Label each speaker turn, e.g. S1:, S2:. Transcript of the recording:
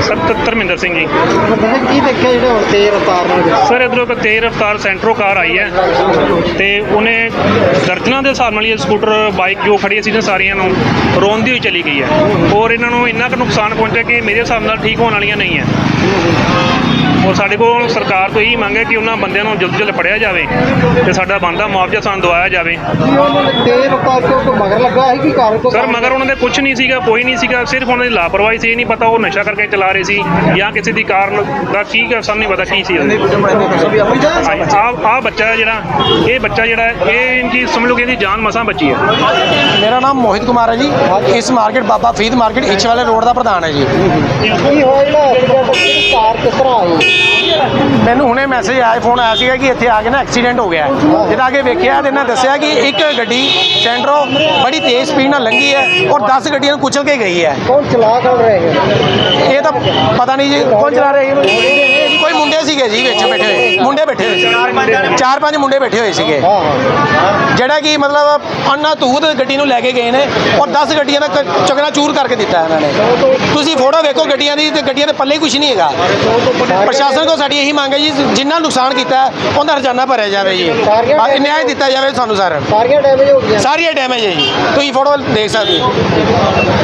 S1: Sir Dharmendra Singh ਜੀ।
S2: ਕੀ ਦੇਖਿਆ ਜਿਹੜੇ ਹੁਣ ਤੇਜ਼ ਰਫ਼ਤਾਰ ਨਾਲ?
S1: ਸਰ ਇੱਧਰੋਂ ਇੱਕ ਤੇਜ਼ ਰਫ਼ਤਾਰ ਸੈਂਟਰੋ ਕਾਰ ਆਈ ਹੈ ਤੇ ਉਹਨੇ ਦਰਜਨਾਂ ਦੇ ਹਿਸਾਬ ਨਾਲ ਇਹ ਸਕੂਟਰ ਬਾਈਕ ਜੋ ਖੜੀਆਂ ਸੀ ਨਾ ਸਾਰੀਆਂ ਨੂੰ ਰੋਂਦੀ ਹੋਈ ਚਲੀ ਗਈ ਹੈ ਔਰ ਇਹਨਾਂ ਨੂੰ ਇੰਨਾ ਕੁ ਨੁਕਸਾਨ ਪਹੁੰਚਿਆ ਕਿ ਮੇਰੇ ਹਿਸਾਬ ਨਾਲ ਠੀਕ ਹੋਣ ਵਾਲੀਆਂ ਨਹੀਂ ਹੈ। ਔਰ ਸਾਡੇ ਕੋਲ ਸਰਕਾਰ ਤੋਂ ਇਹੀ ਮੰਗ ਹੈ ਕਿ ਉਹਨਾਂ ਬੰਦਿਆਂ ਨੂੰ ਜਲਦ ਜਲਦ ਫੜਿਆ ਜਾਵੇ ਤੇ ਸਾਡਾ ਬਣਦਾ ਮੁਆਵਜ਼ਾ ਸਾਨੂੰ ਦਵਾਇਆ ਜਾਵੇ।
S2: ਤੇਜ਼ ਰਫ਼ਤਾਰ ਤੋਂ ਮਗਰ ਲੱਗਾ ਹੈ ਕਿ ਕਾਰ ਤੋਂ?
S1: ਸਰ ਮਗਰ ਉਹਨਾਂ ਦੇ ਕੁਝ ਨਹੀਂ ਸੀਗਾ, ਕੋਈ ਨਹੀਂ ਸੀਗਾ, ਸਿਰਫ ਉਹਨਾਂ ਦੀ ਲਾਪਰਵਾਹੀ ਸੀ। ਇਹ ਨਹੀਂ ਪਤਾ ਉਹ ਨਸ਼ਾ ਕਰਕੇ ਚਲਾ ਰਹੇ ਸੀ ਜਾਂ ਕਿਸੇ ਦੀ ਕਾਰ ਦਾ ਕੀ ਸਾਨੂੰ ਨਹੀਂ ਪਤਾ ਕੀ ਸੀ। ਆਹ ਬੱਚਾ ਜਿਹੜਾ ਇਹ ਜੀ ਸਮਝ ਲਓ ਕਿ ਇਹਦੀ ਜਾਨ ਮਸਾਂ ਬਚੀ ਹੈ।
S3: ਮੇਰਾ ਨਾਮ ਮੋਹਿਤ ਕੁਮਾਰ ਹੈ ਜੀ। ਇਸ ਮਾਰਕੀਟ ਬਾਬਾ ਫਰੀਦ ਮਾਰਕੀਟ ਇੱਛ ਵਾਲੇ ਰੋਡ ਦਾ ਪ੍ਰਧਾਨ ਹੈ ਜੀ।
S2: ਕੀ ਹੋਇਆ ਜਿਹੜਾ ਐਕਸੀਡੈਂਟ, ਕਾਰ ਕਿਸ ਤਰ੍ਹਾਂ ਆਈ?
S3: ਮੈਨੂੰ ਹੁਣੇ ਮੈਸੇਜ ਆਇਆ, ਫੋਨ ਆਇਆ ਸੀਗਾ ਕਿ ਇੱਥੇ ਆ ਕੇ ਨਾ ਐਕਸੀਡੈਂਟ ਹੋ ਗਿਆ ਹੈ। ਜਦੋਂ ਆ ਕੇ ਵੇਖਿਆ ਤੇ ਇਹਨਾਂ ਦੱਸਿਆ ਕਿ ਇੱਕ ਗੱਡੀ ਸੈਂਟਰੋ ਬੜੀ ਤੇਜ਼ ਸਪੀਡ ਨਾਲ ਲੰਘੀ ਹੈ ਔਰ 10 ਗੱਡੀਆਂ ਨੂੰ ਕੁਚਲ ਕੇ ਗਈ ਹੈ।
S2: ਕੌਣ ਚਲਾ ਰਹੇ ਹੈ?
S3: ਇਹ ਤਾਂ ਪਤਾ ਨਹੀਂ ਜੀ ਕੌਣ ਚਲਾ ਰਹੇ। ਕੋਈ ਮੁੰਡੇ ਸੀਗੇ ਜੀ ਵਿੱਚ ਬੈਠੇ ਹੋਏ, ਮੁੰਡੇ ਬੈਠੇ ਹੋਏ ਸੀ, 4-5 ਮੁੰਡੇ ਬੈਠੇ ਹੋਏ ਸੀਗੇ ਜਿਹੜਾ ਕਿ ਮਤਲਬ ਅੰਨਾ ਧੂਤ ਗੱਡੀ ਨੂੰ ਲੈ ਕੇ ਗਏ ਨੇ ਔਰ 10 ਗੱਡੀਆਂ ਦਾ ਚਕਨਾ ਚੂਰ ਕਰਕੇ ਦਿੱਤਾ ਇਹਨਾਂ ਨੇ। ਤੁਸੀਂ ਫੋਟੋ ਵੇਖੋ ਗੱਡੀਆਂ ਦੀ ਤੇ ਗੱਡੀਆਂ ਦੇ ਪੱਲੇ ਕੁਝ ਨਹੀਂ ਹੈਗਾ। ਪ੍ਰਸ਼ਾਸਨ ਕੋਲ ਸਾਡੀ ਇਹੀ ਮੰਗ ਹੈ ਜੀ, ਜਿੰਨਾ ਨੁਕਸਾਨ ਕੀਤਾ ਉਹਦਾ ਹਰਜਾਨਾ ਭਰਿਆ ਜਾਵੇ ਜੀ, ਨਿਆਂ ਦਿੱਤਾ ਜਾਵੇ ਸਾਨੂੰ। ਸਰ
S2: ਸਾਰੀਆਂ ਡੈਮੇਜ ਹੋ ਗਈਆਂ?
S3: ਸਾਰੀਆਂ ਡੈਮੇਜ ਹੈ ਜੀ, ਤੁਸੀਂ ਫੋਟੋ ਦੇਖ ਸਕਦੇ ਹੋ।